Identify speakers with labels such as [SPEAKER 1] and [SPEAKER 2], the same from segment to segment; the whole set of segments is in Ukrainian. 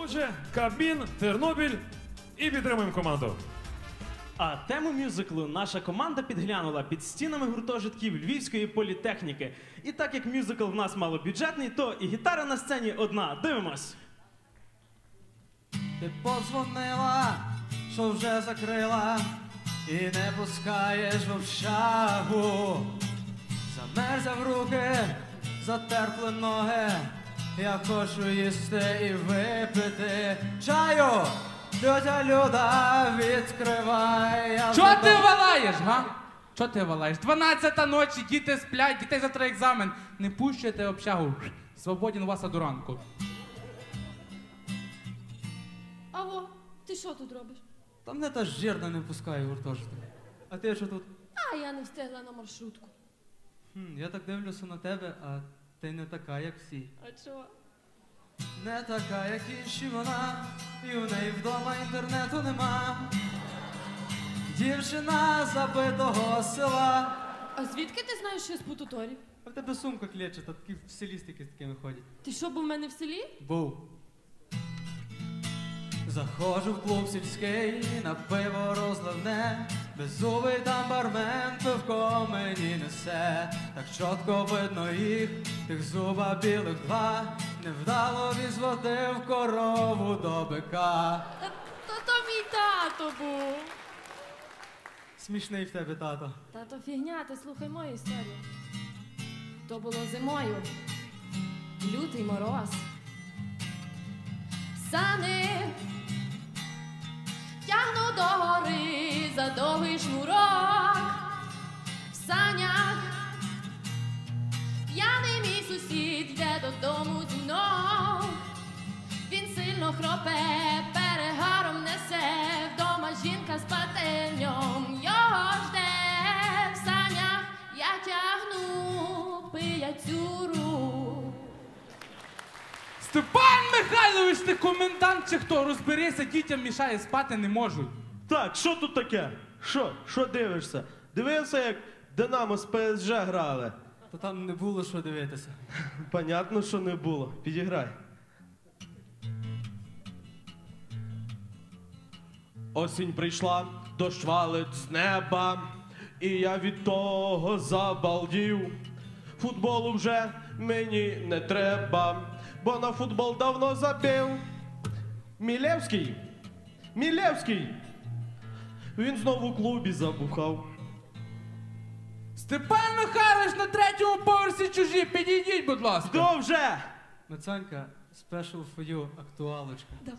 [SPEAKER 1] Отже, Кабмін, Тернопіль і підтримуємо команду.
[SPEAKER 2] А тему мюзиклу наша команда підглянула під стінами гуртожитків Львівської політехніки. І так як мюзикл в нас малобюджетний, то і гітара на сцені одна. Дивимось.
[SPEAKER 3] Ти подзвонила, що вже закрила, і не пускаєш в общагу. Замерзав руки, затерпли ноги, я хочу їсти і випити чаю. Тьотя Люда, відкривай.
[SPEAKER 4] Чого ти валаєш, га? Чого ти валаєш? 12-та ночі, діти сплять, дітей завтра екзамен. Не пущайте общагу. Свободен вас до ранку.
[SPEAKER 5] Аго, ти що тут робиш?
[SPEAKER 3] Та мене та жирна не пускає в гуртожиток. А ти що тут?
[SPEAKER 5] А я не встигла на маршрутку.
[SPEAKER 3] Я так дивлюся на тебе, а ти не така, як всі.
[SPEAKER 5] А чого?
[SPEAKER 3] Не така, як інші вона, і в неї вдома інтернету нема. Дівчина забитого села.
[SPEAKER 5] А звідки ти знаєш, що я з Путуторів?
[SPEAKER 3] А в тебе сумка клече, та такі в селі стільки з такими ходять.
[SPEAKER 5] Ти що, був в мене в селі?
[SPEAKER 3] Був. Заходжу в клуб сільський, на пиво розливне, беззубий там бармен пивко мені несе. Так чітко видно їх, тих зуба білих два, невдало він зводив корову до бика.
[SPEAKER 5] То мій тато був.
[SPEAKER 3] Смішний в тебе тато.
[SPEAKER 5] Тато фігня, ти слухай мою історію. То було зимою. Лютий мороз. Сани тягну до гори за довгий шнурок. В санях п'яний мій сусід йде додому зі мною. Він сильно хропе, перегаром несе, вдома жінка спати в ньому його жде. В санях я тягну пияцюру.
[SPEAKER 4] Степан Михайлович, ти комендант чи хто? Розберися, дітям мішає, спати не можуть.
[SPEAKER 6] Так, що тут таке? Що дивишся? Дивився, як Динамо з ПСЖ грали?
[SPEAKER 3] То там не було що дивитися.
[SPEAKER 6] Понятно, що не було. Підіграй. Осінь прийшла, дощ валить з неба, і я від того забалдів. Футболу вже мені не треба, бо на футбол давно забив. Мілевський! Він знову у клубі забухав.
[SPEAKER 4] Степан Михайлович, на 3-му поверсі чужі, підійдіть, будь ласка.
[SPEAKER 6] Хто вже?
[SPEAKER 3] Мацанька, special for you, актуалочка.
[SPEAKER 5] Давай.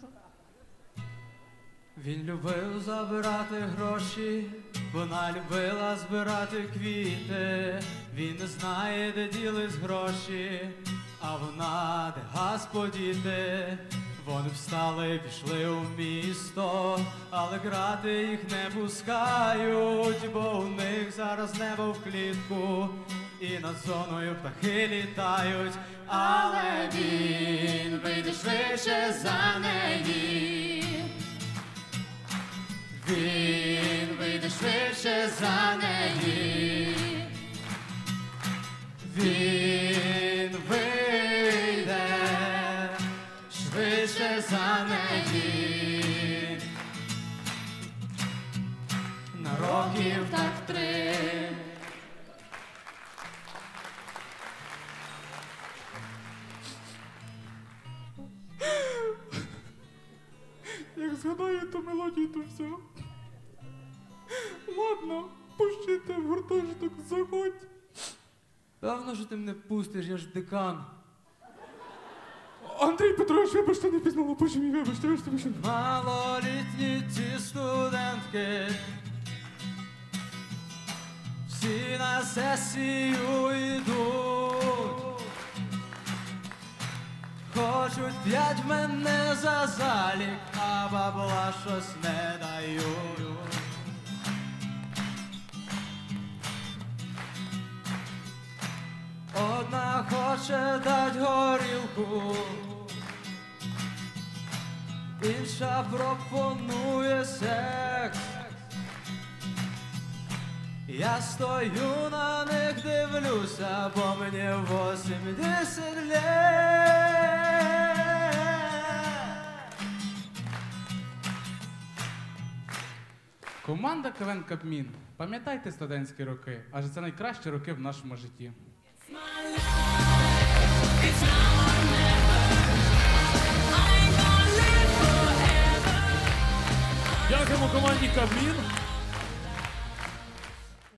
[SPEAKER 3] Він любив забирати гроші, вона любила збирати квіти. Він не знає, де ділись гроші, а вона де газ подіти. Вони встали, пішли у місто, але грати їх не пускають, бо у них зараз небо в клітку, і над зоною птахи літають. Але він вийде швидше за неї. Він вийде швидше за неї. Він вийде швидше за неї. На років так 3.
[SPEAKER 4] Як згадаю ту мелодію, то все. Ладно, пущите в гуртожиток, заходь.
[SPEAKER 3] Певно, що ти мене пустиш, я ж декан.
[SPEAKER 4] Андрій Петрович, вибачте, не пізнала, боже мій, вибачте.
[SPEAKER 3] Малолітні ці студентки, всі на сесію йдуть. Хочуть 5 в мене за залік, а бабла щось не дають. Одна хоче дать горілку, інша пропонує секс. Я стою на них, дивлюся, бо мені 80 лет.
[SPEAKER 4] Команда КВН Кабмін. Пам'ятайте студентські роки, адже це найкращі роки в нашому житті.
[SPEAKER 1] Дякуємо команді Кабмін.